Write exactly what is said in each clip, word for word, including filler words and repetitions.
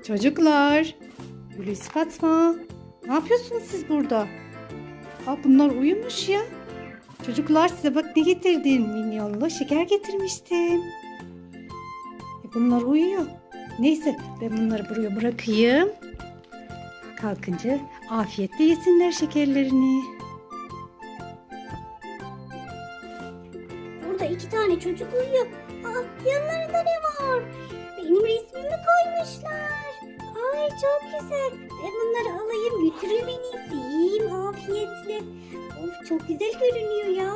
Çocuklar, Hulusi Fatma, ne yapıyorsunuz siz burada? Aa, bunlar uyumuş ya. Çocuklar size bak ne getirdim. Minyonlu şeker getirmiştim. E, bunlar uyuyor. Neyse ben bunları buraya bırakayım. Kalkınca afiyetle yesinler şekerlerini. Burada iki tane çocuk uyuyor. Aa, yanlarında ne var? Benim resmimi koymuşlar. Ay çok güzel. Ben bunları alayım götüreyim en iyisi. Yiyeyim afiyetle. Of çok güzel görünüyor ya.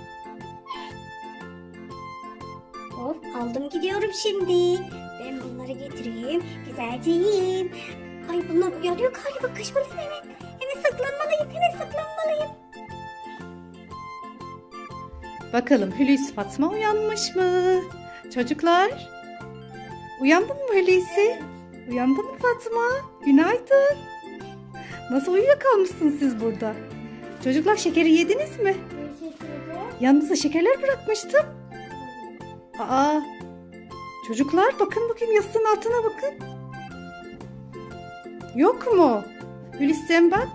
Of aldım gidiyorum şimdi. Ben bunları getireyim. Güzelce yiyeyim. Ay bunlar uyanıyor galiba. Kaçmalıyım hemen. Hemen saklanmalıyım. Hemen saklanmalıyım. Bakalım Hulusi Fatma uyanmış mı? Çocuklar, uyandın mı Hulusi? Uyandın mı Fatma? Günaydın. Nasıl uyuyakalmışsınız siz burada? Çocuklar şekeri yediniz mi? Yanınıza şekerler bırakmıştım. Aa, çocuklar bakın bakayım yastığın altına bakın. Yok mu? Hulusi sen bak.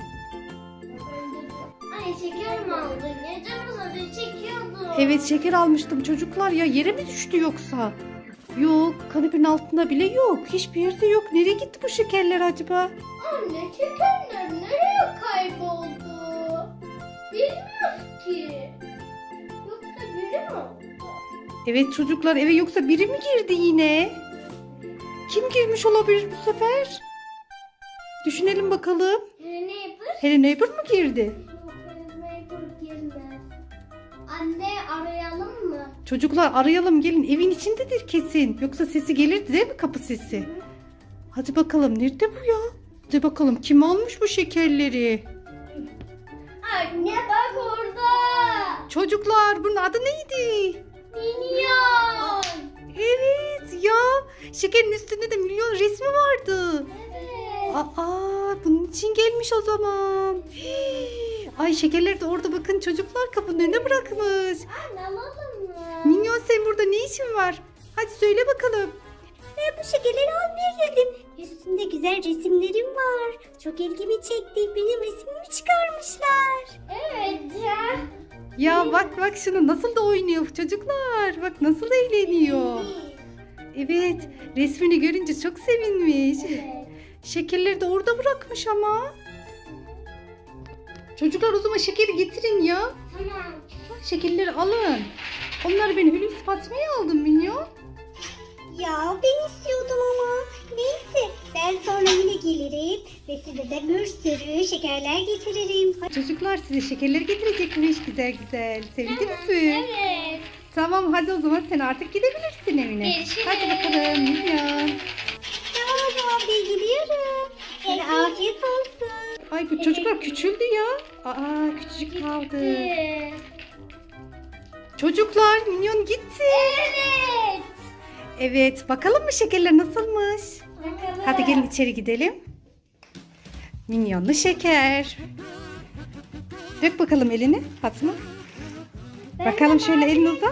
Ay şeker mi aldın? Ya canım zaten çekiyordu. Evet şeker almıştım çocuklar ya, yere mi düştü yoksa? Yok, kanepenin altında bile yok. Hiçbir yerde yok. Nereye gitti bu şekerler acaba? Anne şekerler nereye kayboldu? Bilmiyoruz ki. Yoksa biri mi oldu? Evet çocuklar, eve yoksa biri mi girdi yine? Kim girmiş olabilir bu sefer? Düşünelim bakalım. Ne yapır? Hello Neighbor mu girdi? Anne arayalım mı? Çocuklar arayalım, gelin, evin içindedir kesin. Yoksa sesi gelirdi değil mi, kapı sesi? Hadi bakalım, nerede bu ya? Hadi bakalım, kim almış bu şekerleri? Anne bak orada. Çocuklar bunun adı neydi? Minyon. Evet ya, şekerin üstünde de milyon resmi vardı. Evet. Aa, bunun için gelmiş o zaman. Hii. Ay şekerleri de orada bakın çocuklar, kapının önüne bırakmış. Anne alalım mı? Minyon sen burada ne işin var? Hadi söyle bakalım. Ben bu şekerleri almaya geldim. Üstünde güzel resimlerim var. Çok ilgimi çekti. Benim resmimi çıkarmışlar. Evet ya. Ya bak bak şunu nasıl da oynuyor çocuklar. Bak nasıl da eğleniyor. Evet, resmini görünce çok sevinmiş. Evet. Şekerleri de orada bırakmış ama. Çocuklar o zaman şekeri getirin ya. Tamam. Şekerleri alın. Onları ben Hulusi Fatma'ya aldım Minyon. Ya ben istiyordum ama. Neyse ben sonra yine gelirim. Ve size de bir sürü şekerler getiririm. Çocuklar size şekerleri getirecekmiş güzel güzel. Sevindiniz mi? Evet. Tamam hadi o zaman sen artık gidebilirsin evine. Görüşürüz. Hadi bakalım Minyon. Tamam o zaman ben gidiyorum. Size afiyet olsun. Ay bu çocuklar küçüldü ya. Aa küçücük kaldı. Ee, Çocuklar Minyon gitti. Evet. Evet bakalım mı şekerler nasılmış? Bakalım. Hadi gelin içeri gidelim. Minyonlu şeker. Dök bakalım elini Fatma. Bakalım şöyle elini uzat.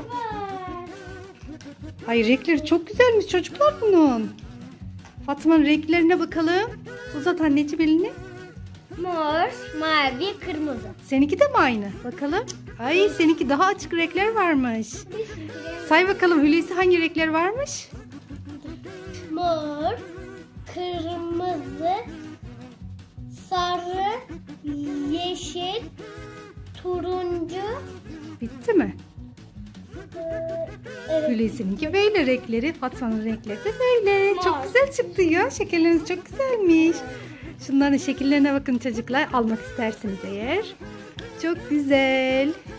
Ay renkleri çok güzelmiş çocuklar bunun. Fatma'nın renklerine bakalım. Uzat anneciğim elini. Mor, mavi, kırmızı. Seninki de mi aynı? Bakalım. Ay seninki daha açık renkler varmış. Say bakalım Hulusi hangi renkler varmış? Mor, kırmızı, sarı, yeşil, turuncu. Bitti mi? Evet. Hulusi'ninki böyle renkleri. Fatma'nın renkleri de böyle. Mor. Çok güzel çıktı ya. Şekerleriniz çok güzelmiş. Şunların şekillerine bakın çocuklar. Almak isterseniz eğer. Çok güzel.